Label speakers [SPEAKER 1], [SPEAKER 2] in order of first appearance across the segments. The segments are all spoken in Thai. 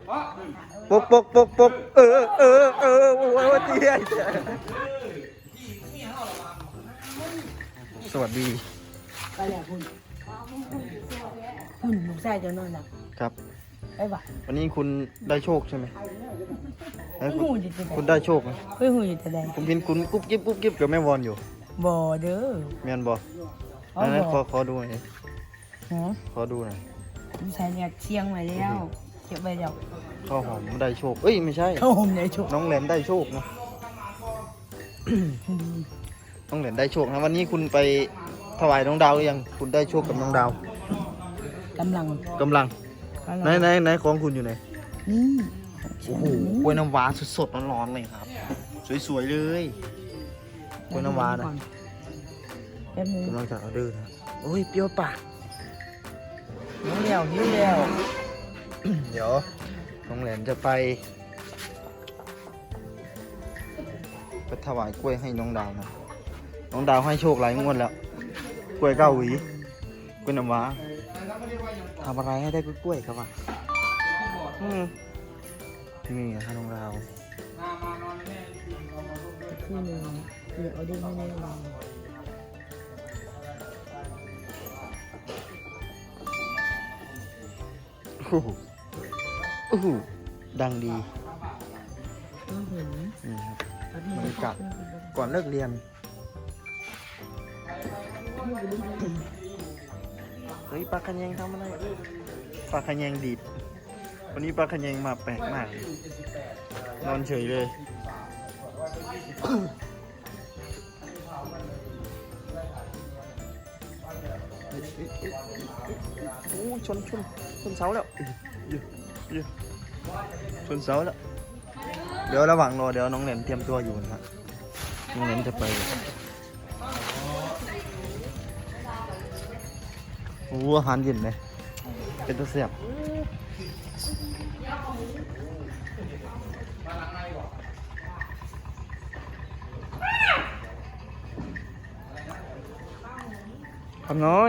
[SPEAKER 1] ปกโอ้ยเตี้ยสวัสดี
[SPEAKER 2] ไปแล้วคุณหนูใส่จะนอนหลับ
[SPEAKER 1] ครับ
[SPEAKER 2] ไปบ่ะ
[SPEAKER 1] วันนี้คุณได้โชคใช่ไหมคุณได้โชคไหม
[SPEAKER 2] หูอยู่แต่ใด
[SPEAKER 1] ผมเห็นคุณกุ๊บกิ๊บกับแม่วอนอยู่
[SPEAKER 2] บ่เด้อ
[SPEAKER 1] แม่นบ่นั่นขอดูหน่อยขอดูหน่อย
[SPEAKER 2] ใส่เนี่ยเชียงไว้แล้วเก็บไว้เดี๋ยว
[SPEAKER 1] ข้าวหอมได้โชคเอ้ยไม่ใช่
[SPEAKER 2] ข้าวหอมได้โชค
[SPEAKER 1] น้องแหลมได้โชคนะน้องแหลมได้โชคนะวันนี้คุณไปถวายน้องดาวหรือยังคุณได้โชคกับน้องดาว
[SPEAKER 2] กำลัง
[SPEAKER 1] ไหนของคุณอยู่ไหนโอ้โหกล้วยน้ำว้าสดๆร้อนๆเลยครับสวยๆเลยกล้วยน้ำว้านะกำลังจะออเดอร์นะโอ้ยเปรี้ยวปาก
[SPEAKER 2] หิวแล้ว
[SPEAKER 1] เดี๋ยวน้องแหลมจะไปถวายกล้วยให้น้องดาวนะน้องดาวให้โชคหลายงวดแล้วกล้วย9 หวีกล้วยน้ำว้าทำอะไรให้ได้กล้วยครับวะนี่ฮะน้องดาว
[SPEAKER 2] ที่หนึ่งเดี๋ยวเอาได้ไม่ได้ลอง
[SPEAKER 1] โอ้โหดังดี
[SPEAKER 2] นี่
[SPEAKER 1] ครับบรรยากาศก่อนเลิกเรียนเฮ้ยปลาขยงทำอะไรปลาขยงดีดวันนี้ปลาขยงมาแปลกมากนอนเฉยเลยโอ้ชนเสาแล้วชนเสาแล้วเดี๋ยวระหว่างรอเดี๋ยวน้องแหลมเตรียมตัวอยู่นะครับน้องแหลมจะไปโอ้อาหารเย็นเลยเป็นตัวเสียบคำน้อย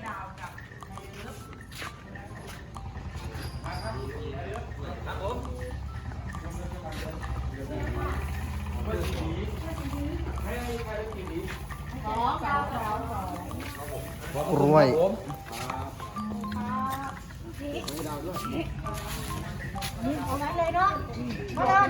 [SPEAKER 1] กล้วย
[SPEAKER 2] เอาไว้เลยเนาะมาเดิน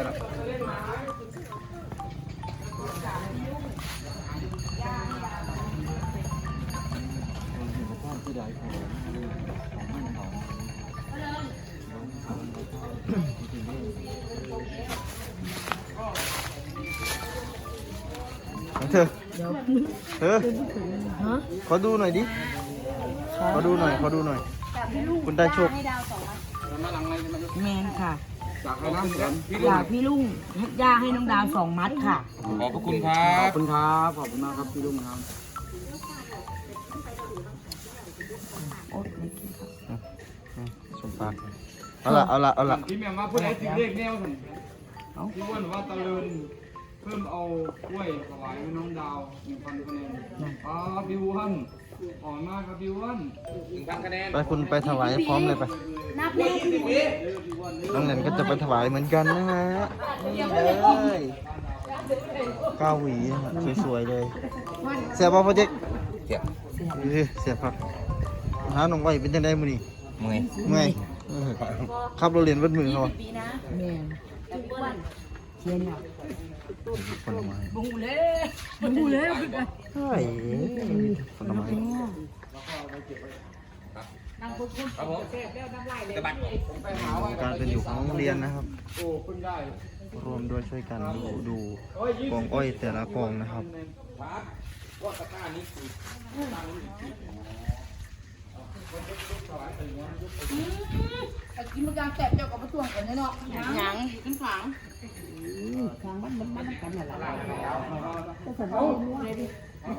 [SPEAKER 1] ขอดูหน่อยดิขอดูหน่อยคุณได้โชค
[SPEAKER 2] แมนค่ะอยากพี่ลุงย่าให้น้องดาว2 มัดค่ะ
[SPEAKER 3] ขอบคุณครับ
[SPEAKER 1] ขอบคุณครับขอบคุณมากครับพี่ลุงครับสมปากเอาละ
[SPEAKER 3] พี่แม่มาพูดอะไรถึงเลขแนวสิพี่ว่าหนูว่าตะลึงเพิ่มเอากล้วยถวายให้น้องดาว1,000 คะแนนพี่อ้วนอ่อนมากครับพี่อ้วน1,000 คะแนน
[SPEAKER 1] ไปคุณไปถวายพร้อมเลยไป
[SPEAKER 2] นับเลย
[SPEAKER 1] น้องแหลมก็จะไปถวายเหมือนกันนะฮะนี่เลย9 หวีสวยๆเลยเสียบป่ะพ่อเจ๊กเสียบครับหาหนุ่มไว้เป็นยังไงมื้อนี้เมื่อยขับรถเรียนวัดมือเขา
[SPEAKER 2] แม่เชียร์เนี่ย
[SPEAKER 1] ผลไม้
[SPEAKER 2] บูเลย
[SPEAKER 1] ใช่ผลไม้การเป็นอยู่ของโรงเรียนนะครับรวมด้วยช่วยกันดูกองอ้อยแต่ละกองนะครับ
[SPEAKER 2] กินมะกางแตกเจ้ากับมะตวงก่อนเนาะหยังขึ้นฝังมันกันอะไรก็สนใจเลยดิ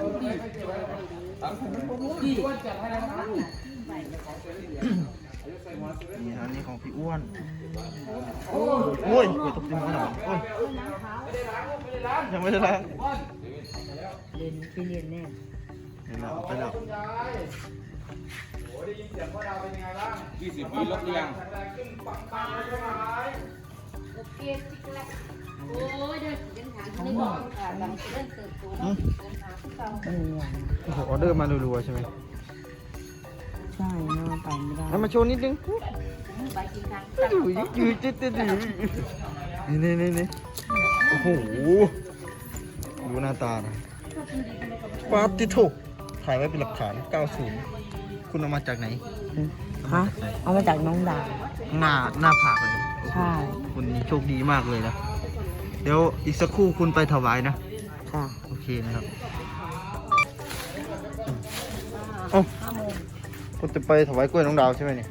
[SPEAKER 1] นี่อันนี้ของพี่อ้วนโอ้ยตกใจหมดหน่อยโอ้ยยังไม่ได้ล้าง
[SPEAKER 2] เรียนแน่
[SPEAKER 1] ไปแล้ว
[SPEAKER 3] ได้ยินเสียงพ่อดาวเป็นยังไงบ้าง20 ปีลบเรียงขึ้นปังปังเลยใช่ไหม
[SPEAKER 2] โอเคจิกแรกโอ้ยเดินเดินทางนี่บอกค่ะหลังเดินเติบโตเนาะเดินทางที่เรา
[SPEAKER 1] โอ้โหออเดอร์มารัวๆใช่ไหม
[SPEAKER 2] ใช่เนาะไปไม่ได้
[SPEAKER 1] แล้วมาโชว์นิดนึง
[SPEAKER 2] ไปกินทาง
[SPEAKER 1] ยืดจิ๊ดจิ๊ดนี่โอ้โหดูหน้าตานะป๊าบติโถถ่ายไว้เป็นหลักฐาน 90 คุณเอามาจากไหน
[SPEAKER 2] ฮะเอามาจากน้องดาว
[SPEAKER 1] หน้าผากเลย
[SPEAKER 2] ใช่
[SPEAKER 1] คุณโชคดีมากเลยนะ เดี๋ยวอีกสักครู่คุณไปถวายนะ
[SPEAKER 2] ค่ะ
[SPEAKER 1] โอเคนะครับเอ้าคุณจะไปถวายกล้วยน้องดาวใช่ไหมเนี่ย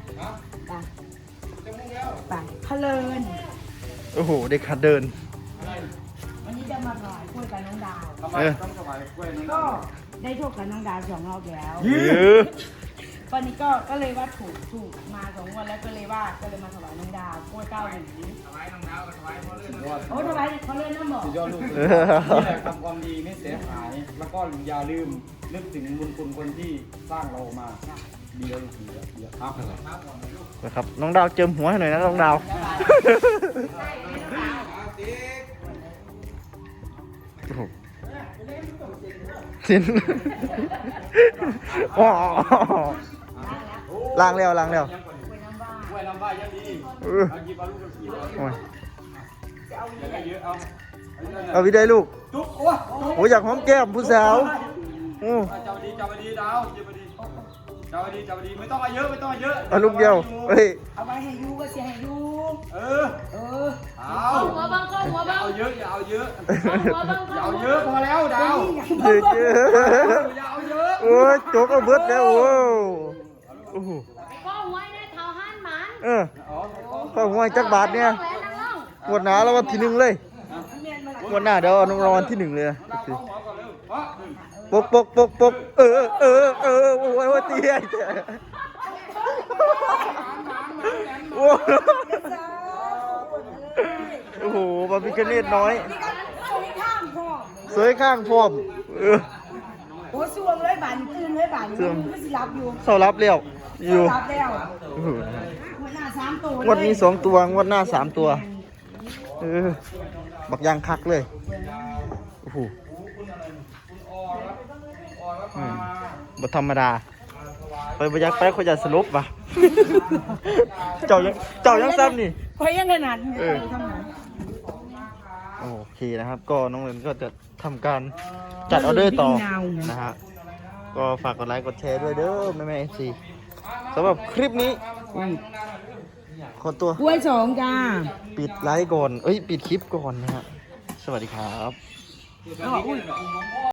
[SPEAKER 2] ไปพะเลิน
[SPEAKER 1] โอ้โห เด็กขัดเดิน
[SPEAKER 2] วันนี้จะมาถวายกล้วยกับน้องดาว
[SPEAKER 3] ทำไมต้องถวายกล้วยน้อง
[SPEAKER 2] ก็ได้โชคกับน้องดาว2 รอบแล้ว ตอนนี้ก็เลยว่าถูกมา2 วันแล้วก็เลยมาถวายน้องดาวกล้วย9 หวี
[SPEAKER 3] ถวายน้องดาวถวายพ่อเลื่อน
[SPEAKER 2] โอ้ถวายเขาเล่นน้ำบอก
[SPEAKER 3] สุดยอดลูกนี่แหละทำความดีไม่เสียหาย แล้วก็อย่าลืมนึกถึงบุญคุณคนที่สร้างเรามาดีแล้วลูกดีแล้วครับ
[SPEAKER 1] นะครับ น้องดาวเจิมหัวให้หน่อยนะน้องดาว โอ้โหสิ้นอ๋อล้างแล้ว
[SPEAKER 3] กล้วยน้ำว้ายังดีเอาหยิบเอาลูกกระสี
[SPEAKER 1] โอ้ย
[SPEAKER 3] อย่าได้เยอะเอา
[SPEAKER 1] เอาวิได้ลูก
[SPEAKER 3] จุ๊บโอ้ย
[SPEAKER 1] โอ้ยอยากหอมแก้มผู้สาวโอ้
[SPEAKER 3] จับดีดาวจับดีไม่ต้องเอาเยอะไม่ต้องเอาเยอะ
[SPEAKER 1] เอาลูกเดียวเฮ้ย
[SPEAKER 2] เอาไว้ให้ยูก็เสียให้ยู
[SPEAKER 3] เออเอา
[SPEAKER 2] หัวบังก็หัวบัง
[SPEAKER 3] เอาเยอะอย่าเอาเยอะ
[SPEAKER 2] หัวบัง
[SPEAKER 3] อย่าเอาเยอะพอแล้วดาว
[SPEAKER 1] เจ๊เจ๊
[SPEAKER 3] อย่าเอาเยอะ
[SPEAKER 1] โอ้ยโจกเอาเบิดแล้วโอ้โอ้โห
[SPEAKER 2] ก็หัวได้เท่าหันหมัน
[SPEAKER 1] เออข้าวหวยจักบาทเนี่ยงวดหน้าแล้ววันที่ 1เลยงวดหน้าเดี๋ยวเอารางวัลที่ 1เลยนะ
[SPEAKER 3] ดาวเข้าหัวก่อนเร็วเพราะ
[SPEAKER 1] ปกโอ้ยตีไอ้เจ๊โอ้โหบาร์บีคิวเนตน้อย สวยข้างพร้อม
[SPEAKER 2] โอ้สวงเลยบานตื่นเลยบานก็สิรับอยู่
[SPEAKER 1] เสารับเลี้ยวอยู่
[SPEAKER 2] รับแล้ว
[SPEAKER 1] โอ้โห
[SPEAKER 2] หัวหน้า3 ตัว
[SPEAKER 1] งวดนี้2 ตัวงวดหน้า3 ตัวบักยางคักเลยโอ้โหบ่ธรรมดาไปบ่ยักไปเขาจะสรุปป่ะ เจ้ายังซ้ำนี่
[SPEAKER 2] คอยยังขนาดนี้ทำไม
[SPEAKER 1] โอเคนะครับ ก็น้องเรนก็จะทำการจัดออเดอร์ต่อนะฮะก็ฝากกดไลค์กดแชร์ด้วยเด้อแม่ๆ FC สำหรับคลิปนี้ขอตัว
[SPEAKER 2] กล้วย2จ้า
[SPEAKER 1] ปิดไลค์ก่อนปิดคลิปก่อนนะฮะสวัสดีครับ